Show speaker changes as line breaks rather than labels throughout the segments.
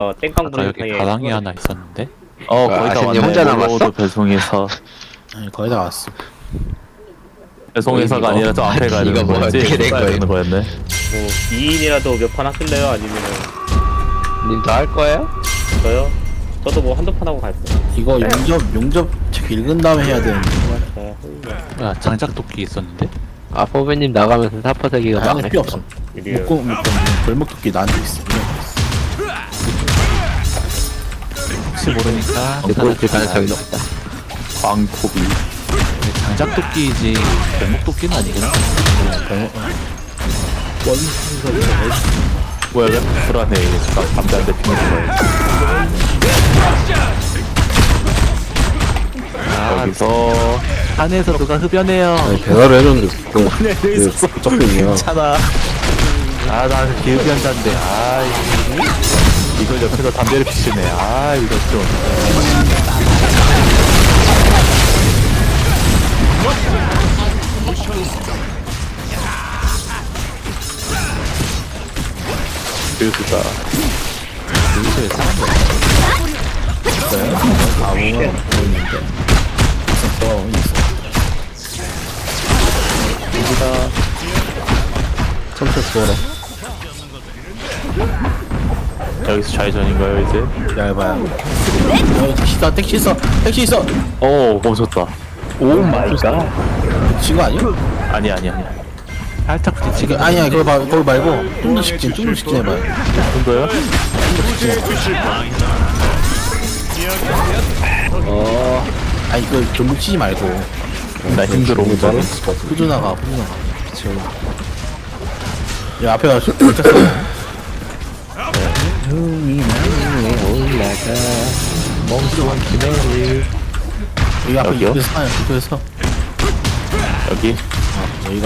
땡깡
아까
부는
여기
사이에
가랑이
그거를-
하나 있었는데?
거의 다
아신님
왔네.
혼자 남았어?
로드 배송해서
아니 거의 다 왔어.
배송해서가 아니라 저 앞에 가야
이거
되는
뭐
거였지?
어떻게 된
가야
거예요?
되는 거였네.
뭐 2인이라도 몇 판 하실래요? 아니면은
님 더 할 거예요?
저요? 저도 뭐 한두 판 하고 갈 거예요.
이거 용접 책 읽은 다음에 해야 되는데.
네,
야 장작도끼 있었는데?
아 포배님 나가면서 사퍼세기가
아니
막네.
필요 없어.
이래요.
묶고 벌목도끼 나한테 있어.
혹시 모르니까
그럴 가능성이 높다.
광코비.
장작도끼이지 뱀목도끼는 아니구나.
뭐야, 왜 불안해. 나 담배 한 대 피는 거야. 여기서
산에서 누가 흡연해요.
배달을 해줬는데 그 적군이야.
괜찮아.
아, 나 기흡연자인데. 아,
이걸 옆에서 담배를 피시네. 아, 이거 좀. 그수다.
여기서 왜 사람이 없어?
아무나 보이는데. 있어.
여기다
컴퓨터 주워라.
여기서 좌회전인가요, 이제?
얇아요. 택시 있어. 택시 있어.
오, 멈췄다. 오 마이 갓.
지금 아니야?
아니.
살짝 부딪히게.
아니야 그거 말고 좀 더 직진 해봐요.
좀 더요?
아니 그 좀 묻히지 말고
나 힘들어, 오늘.
후드나가. 야 앞에 가서 멈췄어.
올라가 멍청한 기내를.
여기 앞에
여기요?
입구에서
여기?
여기가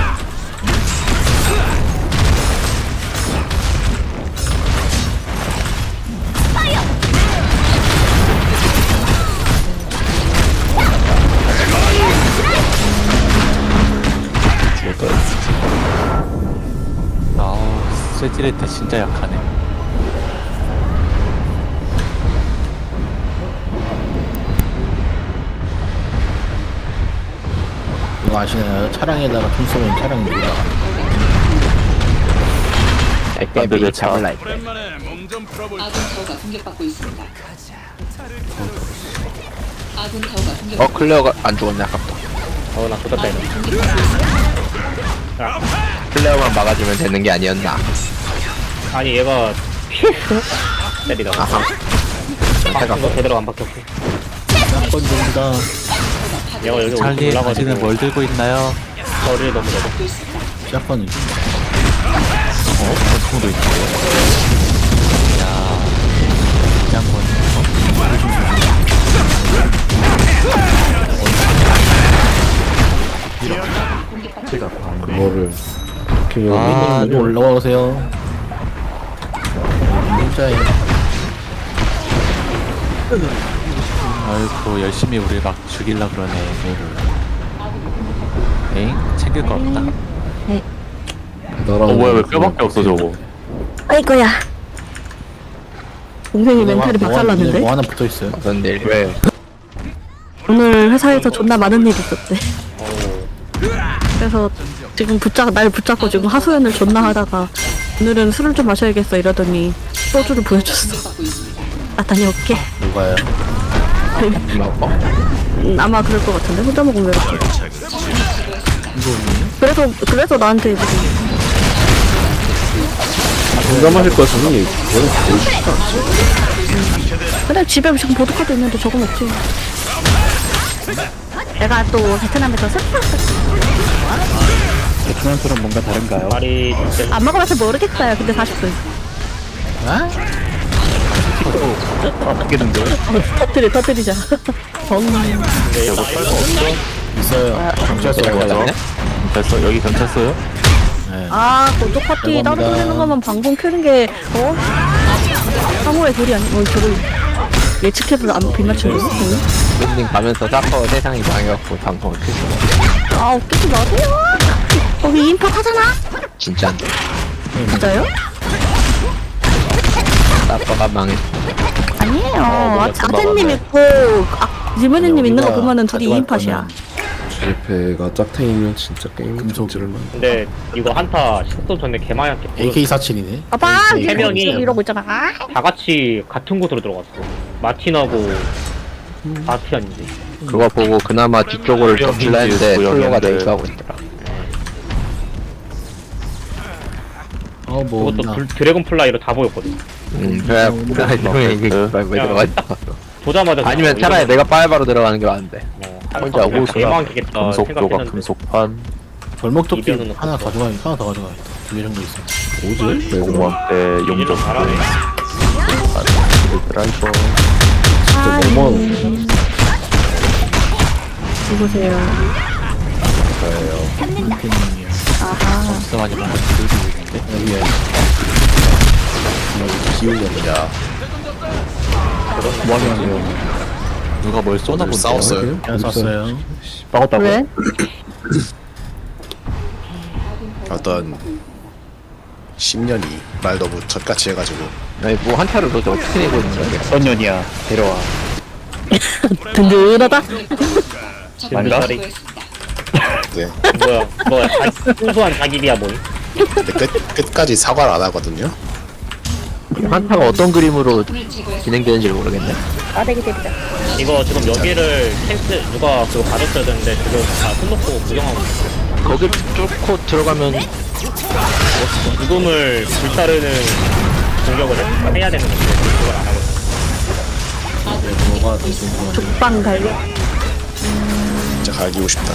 아우, 쇠지레트 진짜 약하네.
이거 아시나요? 차량에다가 총 쏘면 차량이 돌아가.
애깨비 잡을라 했대.
아군 타워가 공격받고 있습니다. 아군 타워가 공격.
클레어가 안 죽었네 아깝다.
나 쏟았다 이거.
클레어만 막아주면 되는 게 아니었나.
아니 얘가 때리다가
아하.
이거 제대로 안 박혔고
한번 됩니다.
얘가 여기
찰리,
올라가지고
당신은 뭘 들고 있나요?
저를 너무 내고
샷건이.
권총도 있고. 야, 장군.
그거를
아,
좀 올라오세요. 진짜예요.
아이고, 열심히 우리 막 죽일라 그러네. 에잉? 챙길 거 없다.
배달하는
뭐야, 왜 뼈밖에 없어, 저거.
아이고야. 동생이 멘탈이 박살났는데?
뭐 하나 붙어 있어요.
무슨 일? 왜?
오늘 회사에서 존나 많은 일이 있었대. 그래서 지금 날 붙잡고 지금 하소연을 존나 하다가 오늘은 술을 좀 마셔야겠어 이러더니 소주를 보여줬어.
받고 있습니다.
아 다녀올게.
누가요?
먹어?
아마 그럴 것 같은데 혼자 먹으면 왜 이렇게. 그래서 나한테 지금
공감하실 것 같으니 그거는 거의 쉽지 않지.
근데 집에 지금 보드카도 있는데 저거 먹지. 내가 또 베트남에서
베트남처럼 뭔가 다른가요?
말이 진짜
안 먹어봐서 모르겠어요. 근데 40분.
아?
바뀌는데?
터뜨리자.
근데 얘가
있어요. 경찰서 가요.
됐어, 여기 경찰서요?
아, 고독 파티 따로
죄송합니다.
돌리는 거면 방송 켜는 게, 상호의 소리 아니, 저걸 예측해서 안 빗맞추고 있어.
밴딩 가면서 사퍼 세상이 망해갖고 방송을 켰어.
아, 웃기지 마세요. 거기 인파 하잖아.
진짜인데.
맞아요?
아빠가 망했어.
아니에요. 아테님 있고 지문이님 있는 거 보면은 둘이 2인팟이야.
주제패가 짝탱이면 진짜 게임 금속질만.
근데 이거 한타 식도 전에 개마약게
AK47이네.
아빠
세 명이
이러고 있잖아.
다 같이 같은 곳으로 들어갔어. 마틴하고 아티안이지.
그거 보고 그나마 뒤쪽으로 덮칠라 했는데 플로가 내입하고 있더라.
뭐
그것도 드래곤 플라이로 다 보였거든.
그래 형이 이게 왜 들어가 있다.
보자마자
아니면
그냥
차라리 내가 빨바로 들어가는 게 맞는데. 혼자 오고 있어.
개마약겠다
금속조각
생각했는데
금속판
벌목토끼
이변은
하나
없어.
가져가야겠다. 하나 더 가져가야겠다. 2개 정도 있어.
뭐지? 왜 그만?
공무원 때
이런
용접
잘하네.
드라이버
너무
누구세요?
진짜 많이 먹는 들고 있는데.
여기에 기울입니다.
뭐 하냐고요. 누가 뭘 쏘나 본데.
싸웠어요?
그냥 쐈어요.
싸웠다고?
왜?
어떤 10년이 말 너무 젖같이 해가지고
아니 뭐 한타를 도대체 어떻게 내고 있는 거야?
어떤 년이야. 데려와.
든든하다.
아닌가?
수고했습니다.
네.
뭐야 순수한 자기비야 뭐니?
근데 끝까지 사과를 안 하거든요.
한타가 어떤 그림으로
오늘 제거했습니다.
진행되는지 모르겠네.
아대기 대기다.
이거 지금 여기를 캔슬 누가 그거 받았어야 되는데 지금 다 손 놓고 구경하고 있어.
거길 뚫고 들어가면
죽음을 불사르는 공격을 해야 되는 건데 그걸 안 하고 있어.
뭐가 더 좋은
죽방 갈려.
진짜 갈기고 싶다.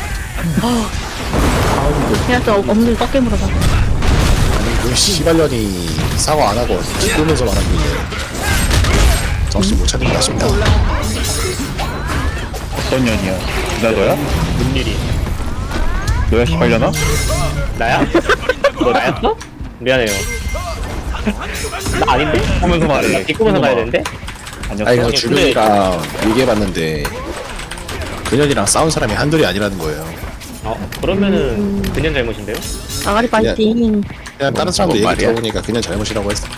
해야지 없는 꺾게 물어봐.
아니 그 씨발년이 사과 안 하고 기쁘면서 말하길래 정신 못 차린다 싶다.
어떤 년이야. 나 너야?
뭔 일이?
너야 시발려나?
나야? 너 나였어? 미안해요. 나 아닌데?
하면서 말해.
뒷구면서 가야 되는데?
아니었어.
아니 그 주변이랑 얘기해봤는데 그년이랑 싸운 사람이 한둘이 아니라는 거예요.
그러면은 그년 잘못인데요?
아가리 파이팅.
그냥 다른 사람들 얘기
말이야?
들어보니까 그냥 잘못이라고 했어.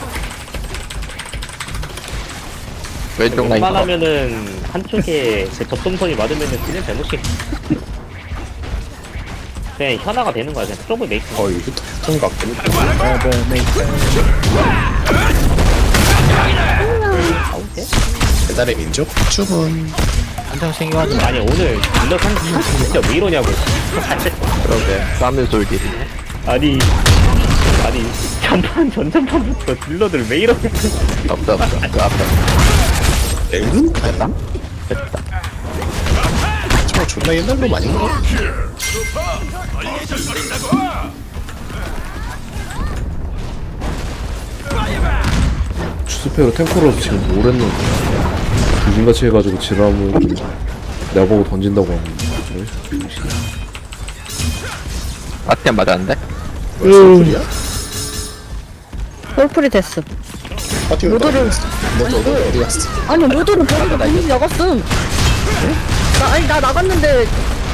왼쪽 라인 봐.
웬만하면은 한쪽에 그 접점선이 맞으면은 그냥 잘못이 그냥 현아가 되는 거야. 그냥 트러블 메이킹.
이거 통과 없더니
아웃해?
배달의 민족 주문.
한장 생겨가지고
아니 오늘 딜러 산 진짜 왜 이러냐고.
그러게 싸움의 솔딜이.
아니 전판부터 딜러들 왜 이러냐.
없다 그 앞에
랭은? 됐다? 저 존나 옛날 놈 아닌가?
추스페로 탱커로서 지금 뭘 했는데 귀신같이 해가지고 지라면 내가 보고 던진다고 하는데
아트엔 맞았는데?
소리야?
홀프리 됐음.
파티를
모두를-
너 어디 갔어?
아니 모두를 버리고 본인이 나갔음. 나 나갔는데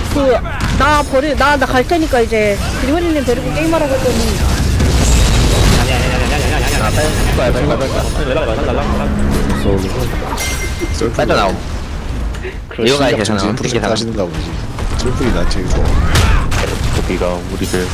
나 갈 테니까 이제 그리머리님 데리고 게임하라고 했더니
빠져나옴. 이거 가야 계산하면
정신
어떻게
프로젝트
계산하면
하시는가 보지. 솔플이 나 제일 좋아.
거기가 우리를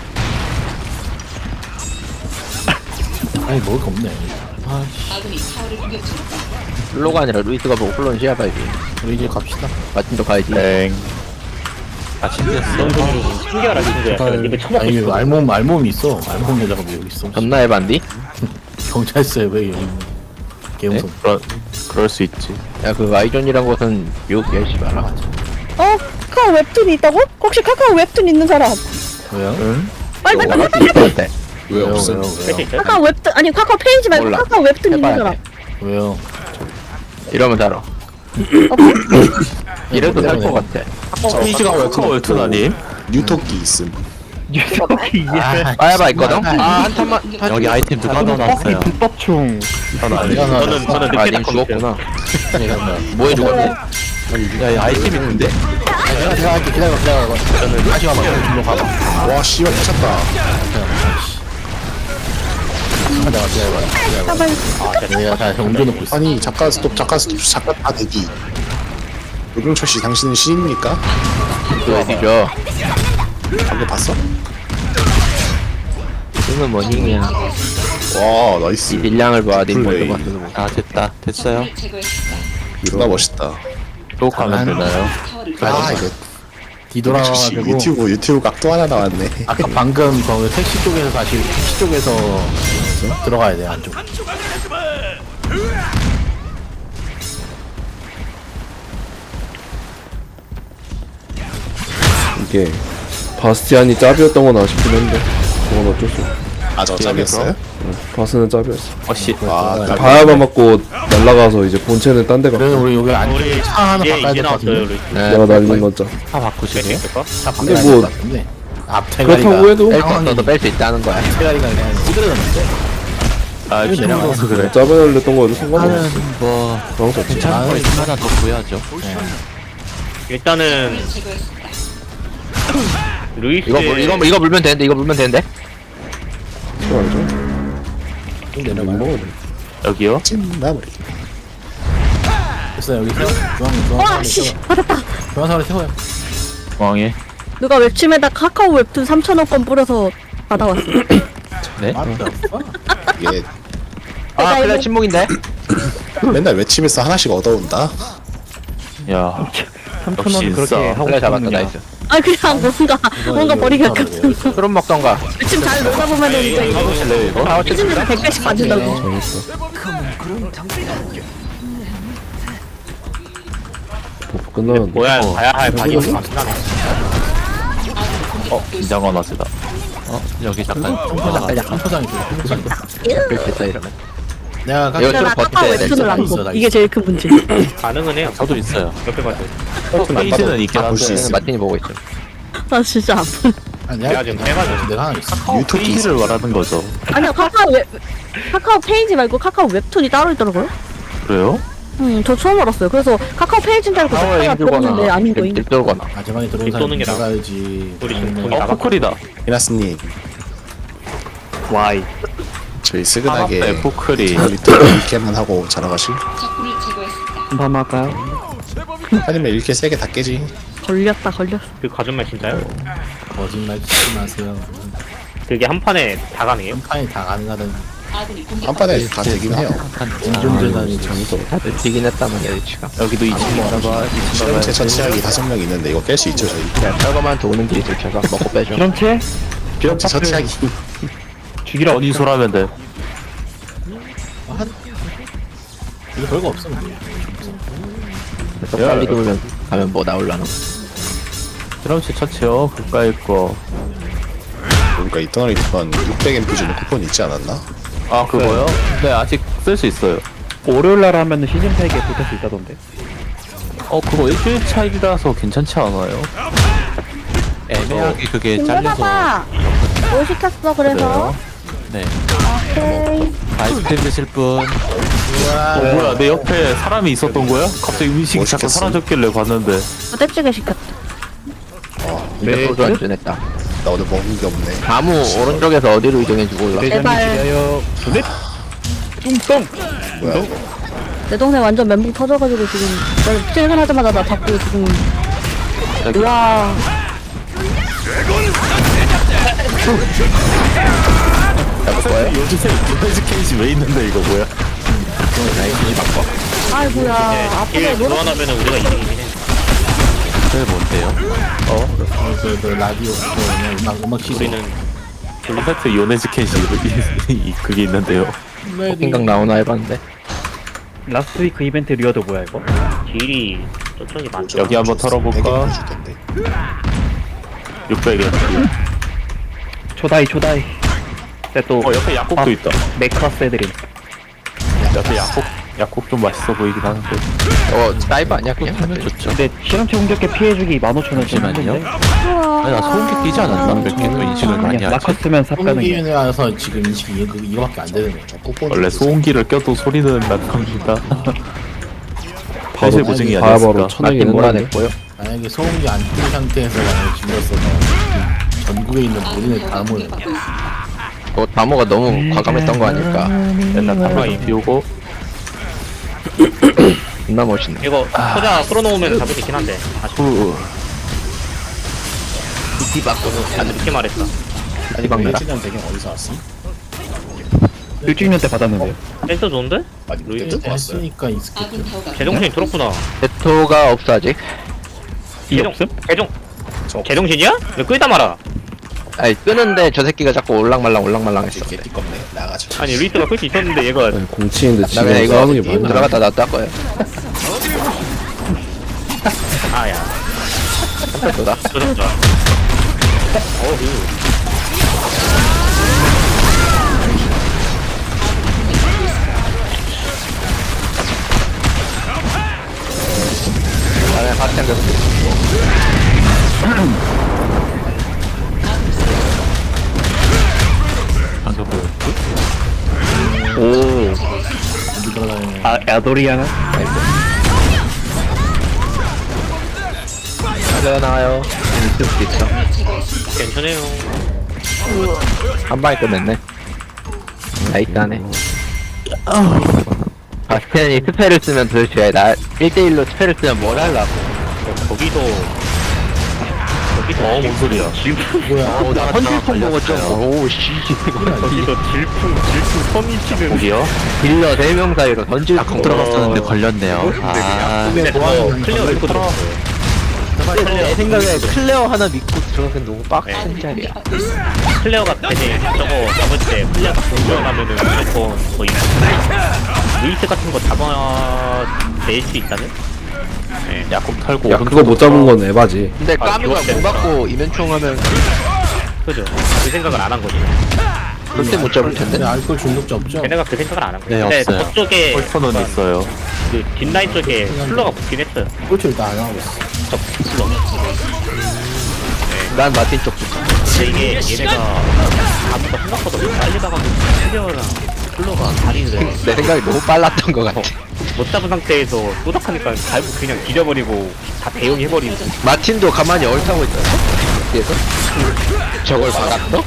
아니 먹을 거 없네.
아군이 타워를 공격 중입니다.
플로가 아니라 루이스가 보고 플로는 시야봐야지.
우리 이제 갑시다.
마틴도 가야지.
땡
아 챙겼어.
신기하라 친구야. 입에 처먹고
아니
싶어.
알몸이 있어. 알몸 여자가 왜 여기 있어?
존나 해반디?
경찰서에 왜 여기 있는? 개무서.
그럴 수 있지.
야 그 아이존이란 곳은 미국 열시 봐라.
카카오 웹툰이 있다고? 혹시 카카오 웹툰 있는 사람?
왜요?
빨리
너가
빨리
할수 있을 때.
왜 없음?
할수 있어요?
카카오 웹툰 아니 카카오 페이지 말고
몰라.
카카오 웹툰 있는
해봐야
사람.
돼.
왜요?
이러면 달아. 이래도 살 것 같아.
페이지가 웹툰 아님?
뉴토끼 있음.
빠야바 있거든? 한탄만.
여기 아이템 누가 넣어놨어요?
불법충 전 아니야.
저는
아,
늦게
님
닦았어요.
죽었구나. 뭐해 죽었네?
야, 아이템 있는데?
내가 할게. 기다려. 저는 다시 와봐. 줄로 가봐.
와 씨발 미쳤다.
내가 기다려봐. 내가 다 옮겨놓고 있어.
아니 잠깐 스톱 잠깐 다 대기. 노병철 씨 당신은 신입니까?
어디죠?
방금 봤어?
이건 뭐 힘이야.
와 나이스.
딜량을 봐. 네
플레이.
먼저 봤어.
아 됐다 됐어요.
존나 멋있다.
또 가면 되나요?
아 이거
뒤돌아가지고
유튜브 각도 하나 나왔네.
아까 방금 거기 택시 쪽에서 다시 택시 쪽에서 들어가야 돼 안쪽.
이게 바스티안이 짭이었던 건 아쉽긴 한데 그건 어쩔 수 없어.
아저 짭이었어요?
바스는 짭이었어.
어씨.
아
바야바 맞고 날라가서 이제 본체는 딴 데 가.
그래서 우리 여기 안쪽에 차 하나 바꿔야
이제
될 것
나왔어요.
같은데.
네.
내가 날린 건 짭.
다 바꾸시네요?
차
근데
바꿔야
뭐-
될 것 같은데. 앞태가리가
그렇다고 해도
뺄수 뺄수 있다는 거야.
앞태가리가 그냥 찌그러졌는데.
아
이거 내려가서
피곤해서 그래.
짭을 날렸던 거에도 상관없어.
나는 뭐
그런 거 없지.
괜찮은 거 있으면 하나 더 구해야죠.
일단은 루이스
이거 물면 되는데 이거 물면 되는데.
그거 알죠?
좀
못
내려가요.
먹어야 돼.
여기요?
찐 마무리.
됐어 여기서
와,
중앙
씨, 받았다.
중앙선을 태워요.
왕에.
누가 웹침에다 카카오 웹툰 3,000원권 뿌려서 받아왔어.
네?
맞다.
이게
아 클레어 침묵인데.
맨날 외침에서 하나씩 얻어온다.
야. 역시 인싸.
클레어 잡았다. 나이스.
아, 그냥 뭔가 버리기 약간.
그럼 먹던가.
웹침 잘 놀다 보면은 이제 이거.
해보실래요 이거?
아
웹침 100배씩 받는다고.
버프 끝나는데.
뭐야 봐야 할 바디 없어.
긴장감 왔으다. 여기 잠깐.
한 포장이 있어.
됐다 이러면.
내가
이거
내가
좀
카카오
버텨야 돼.
웹툰을 안
있어,
보.
나
이게 제일 큰 문제.
가능은 해요.
저도 있어요.
몇배 받아요.
페이지는 있긴
볼 수
한데.
있어.
마틴이 보고 있어.
나 진짜 아파.
내가 지금 해가지고.
내가 하나 있어.
유튜브
페이지를 말하는 거죠.
아니요, 카카오 페이지 말고 카카오 웹툰이 따로 있더라고요.
그래요?
저 처음 알았어요. 그래서 카카오 페이지인 줄 알고
파워에
제가 들었는데
힘들거나
아닌 거임.
들거나.
마지막에 들어온
립
사람
도는 게 나아.
나가야지.
우리 지금
아니면
거기 나가.
포클이다.
이나스님
와이.
저희 스근하게
네, 포클이.
유튜브 이렇게만 하고 자라가실?
적군을 제거했습니다.
한번 할까요?
아니면 이렇게 세게 다 깨지.
걸렸어.
그 가전말 진짜요?
거짓말 치지 마세요.
그게 한 판에 다 가능해요?
판이 다 가능하던
아군이 공격.
한 판에 다 되긴 해요.
운전자단이 정도.
되긴 했다만 여기치가.
여기도 2층 봐봐.
실험체 처치하기 5명 있는데 이거 깰 수 있죠 저희.
그냥 철거만 도는 길이 들켜서 먹고 빼줘.
실험체 처치하기.
죽이라 어디 소라면 돼.
이거 별거 없어. 근데.
그래서 빨리 돌면 가면 뭐 나올라나.
드럼치 처치요. 그까이 거.
그러니까 이 떠나리 쿠폰 600MP 주는 쿠폰 있지 않았나?
아 그거요? 네 아직 쓸 수 있어요.
월요일날 하면은 시즌팩에 붙을 수 있다던데.
그거 일주일 차이라서 괜찮지 않아요? 애매하게 그게 잘려서.
봐봐. 뭐 시켰어? 그래서.
네.
오케이.
아이스크림 드실 분. 뭐야 내 옆에 사람이 있었던 거야? 갑자기 음식이
뭐
잠깐
시켰어?
사라졌길래 봤는데.
부대찌개 시켰다.
근데 소주 안주냈다.
나 오늘 먹은 게 없네.
나무 오른쪽에서 어디로 이동해지 몰라.
제발.
뭐야 이거?
내 동생 완전 멘붕 터져가지고 지금 나 퇴근하자마자 나 자꾸 지금. 우와.
요즘 케이지 왜 있는데 이거 뭐야?
아이고야. 앞에
일
노래
교환하면은 우리가 이기긴 해.
그게 뭔데요?
그 라디오 그냥 음악 시소.
우리는
블루세트 요네즈 캔시 그게 있는데요.
생각 나오나 해봤는데.
라스트 위크 이벤트 리어도 뭐야 이거?
딜이 저쪽이 많죠.
여기 한번 털어볼까? 600엔.
초다이. 근데 또
옆에 약국도 있다.
네크라스 애들이.
옆에 약국 좀 맛있어 보이긴 하는데.
사이버 아니야 그냥?
하면 좋죠.
근데 실험체 공격에 피해주기 15,000원
잠시만요. 아니 나 소음기 끼지 않았나? 몇 개 또 인식을 많이
그냥
하지.
마커 쓰면 삽가능해.
소음기에 와서 지금 인식이 이거밖에 안 되는 거야.
원래 소음기를 껴도 소리는 나갑니다. 사실 보증이
바야바로
아니었을까?
쳐내긴
마틴
했는데.
몰아냈고요.
만약에 소음기 안 뜬 상태에서 만약에 질렀어. 전국에 있는 모든 애다 모여.
다모가 너무 과감했던 거 아닐까.
맨날 탑라인 비우고
존나 멋있네.
이거 소자 풀어놓으면 잡을 수 있긴 한데 아쉽다.
디바꾸는
아 늦게 말했다.
아니 막내라.
일진년 배경 어디서 왔어?
1주년 때 받았는데요.
센터 좋은데?
아니
루이드?
루이드 왔어요.
했으니까 익숙해.
아군 타워가
제정신이 들었구나.
대토가 없어 아직.
이 없음?
제정신이야? 왜 끌다 말아?
아니 끄는데 저 새끼가 자꾸 올랑말랑 올랑말랑했어.
이렇게 띠껍네. 나가자.
아니 루이트가 끌 수 있었는데 얘가
아니, 공치인데
나
지금
그냥 이거
싸우는 게 맞나?
들어갔다 놨다 거야.
아야
한편도다.
조졌죠.
나는 박장 계속.
방금 보였지?
오.
아, 야도리아나?
나와요. 있을 수도 있어.
괜찮아요.
한 방에 끝냈네. 나이스하네. 아, 스탠이 스펠을 쓰면 도대체 나 1대1로 스펠을 쓰면 뭘 하려고.
거기도
뭔 소리야?
오, 나 헌질풍 먹었죠. 오, 씨.
거기도 질풍 선이 치는
거기요?
딜러 4명 사이로 던질풍
들어갔었는데 걸렸네요. 아,
근데 클리어 믿고 들어갔어요.
내 생각에 클레어 하나 믿고 들어가긴 너무 빡센 자리야.
클레어가 대신 저거 잡을 때 플레어가 공격하면은 무조건 거의 루이스 같은 거 잡아낼 수 있다면? 네.
약국 털고
야 그거 못 잡은 건 에바지.
근데 까미가
이거
못 받고 이면총 하면
그죠? 그 생각을 안 한 거지.
그때 못 잡을 텐데.
근데 알코올 중독자 없죠?
걔네가 그 생각을 안 한 거지.
네,
근데
없어요.
저쪽에
펄터는 있어요.
그 뒷라인 쪽에 플러가 붙긴 했어요.
꼴찌 일단 안 하고 있어.
저 플러.
난 마틴 쪽 붙어.
근데 이게 얘네가 아무가 생각보다 빨리 가가지고 클리어랑 플러가 다리를
내 생각이 너무 빨랐던 것 같아.
못 잡은 상태에서 또닥하니까 갈고 그냥 기려버리고 다 대용해버리고.
마틴도 가만히 얼타고 있잖아. 뒤에서 저걸 막았어?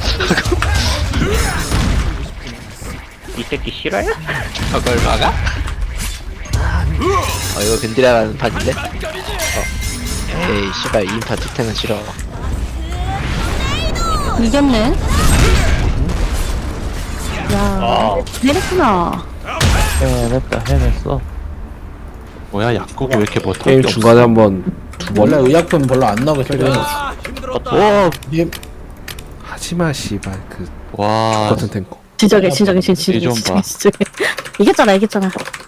이 새끼 실화야?
저걸 막아? 이거 벤디라라는 판인데? 에이 씨발 2인파 뒷태는 싫어.
이겼네. 야,
아.
내렸구나.
해냈어. 뭐야, 약국이 왜 이렇게 뭐
게임
털게
중간에 한번 두 번.
원래 의약품 별로 안 나오게 설정해.
오. 하지마 씨발 그
와,
같은 탱커.
진정해.
이 좀 봐.
이겼잖아.